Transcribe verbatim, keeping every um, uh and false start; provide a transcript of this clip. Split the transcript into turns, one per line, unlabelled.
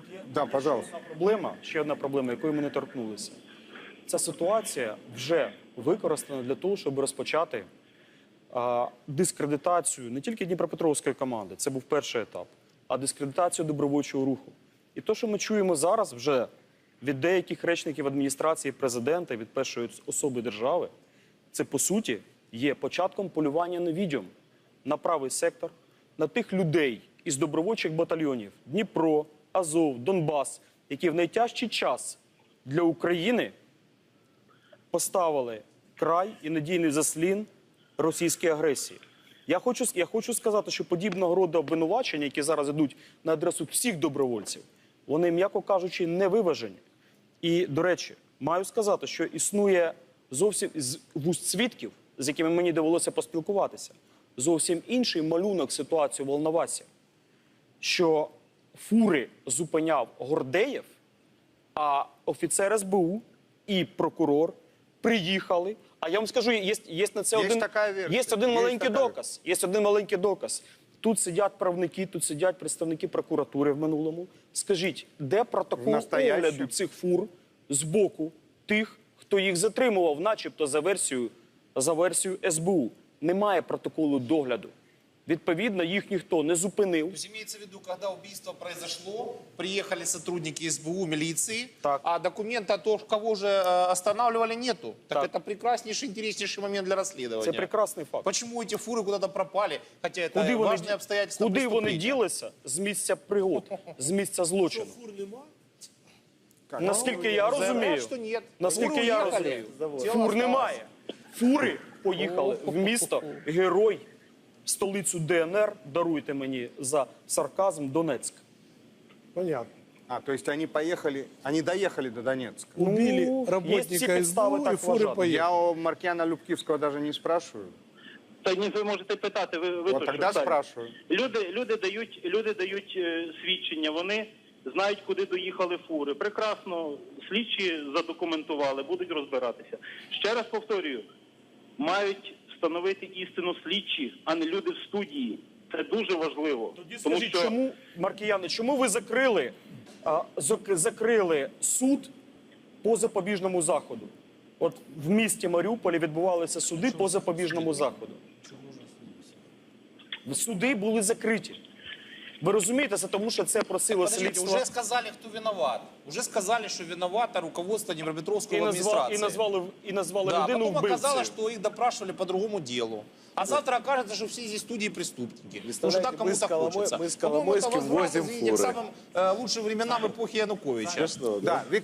Да, пожалуйста.
Проблема, ще одна проблема, якої ми не торкнулися. Ця ситуація вже використана для того, щоб розпочати а, дискредитацію не тільки Дніпропетровської команди, це був перший етап, а дискредитацію добровольчого руху. І те, що ми чуємо зараз вже від деяких речників адміністрації президента, від першої особи держави, це, по суті, є початком полювання на відьом, на правий сектор, на тих людей із добровольчих батальйонів Дніпро, Азов, Донбас, які в найтяжчий час для України поставили край і надійний заслін російській агресії. Я хочу, я хочу сказати, що подібного роду обвинувачення, які зараз йдуть на адресу всіх добровольців, вони, м'яко кажучи, не виважені. І, до речі, маю сказати, що існує зовсім з вуст свідків, з якими мені довелося поспілкуватися, зовсім інший малюнок ситуації в Волновасі, що фури зупиняв Гордеєв, а офіцер ес бе у і прокурор приїхали. А я вам скажу, є, є на це
Є
один,
така версія.
є один
Є
маленький
така
доказ. Є один маленький доказ. Тут сидять правники, тут сидять представники прокуратури в минулому. Скажіть, де протокол огляду цих фур з боку тих, хто їх затримував, начебто за версією, за версією ес бе у? Немає протоколу догляду. Відповідно, їх ніхто не зупинив.
То есть имеется в виду, когда убийство произошло, приехали сотрудники эс бэ у, милиции,
Так.
а документа о том, кого же э, останавливали, нету. Так,
Так.
это прекраснейший, интереснейший момент для расследования.
Це прекрасний факт.
Почему эти фуры куда-то пропали, хотя это
Куди вони,
важные обстоятельства
куди вони
преступления?
ділися з місця пригод, з місця злочину? Наскільки я
Заявляют,
розумію,
что нет.
наскільки
Фуры
я
уехали.
розумію,
Тело
фур
осталось.
немає. Фури поїхали в місто Герой, столицю де ен ер, даруйте мені за сарказм, Донецьк.
Понятно.
А, то есть они поехали, они доехали до Донецка.
Убили
Ну, есть
работника
все
эс бэ
подставы
у, и
так
фуры
вважати.
поехали.
Я у Маркиана Любківського даже не спрашиваю.
Та ні, ви можете питати, ви, ви
Вот
то,
тогда
що
спрашиваю.
Люди, люди дають, люди дають е, свідчення, вони знають, куди доїхали фури. Прекрасно, слідчі задокументували, будуть розбиратися. Ще раз повторюю, мають встановити істину слідчі, а не люди в студії. Це дуже важливо.
Тоді скажіть, чому, Маркіяни, чому ви закрили, а, зак- закрили суд по запобіжному заходу? От в місті Маріуполі відбувалися суди по запобіжному заходу. Суди були закриті. Ви розумієте, це тому, що це просило
Подождите,
слідство.
уже сказали, кто виноват. Уже сказали, что виновато руководство
І,
Днепропетровского
назва,
администрации.
і, назвали, і назвали
Да,
людину
потом оказалось,
вбивцею.
что их допрашивали по другому делу. А завтра окажется, что все здесь студии преступники. Уже так
мы с
кому-то
Коломо-
хочется.
мы с
По-моему, это
Коломойским
возврат,
возим
извините, к
фуры.
самым э, лучшим временам эпохи Януковича.
Да, Вик-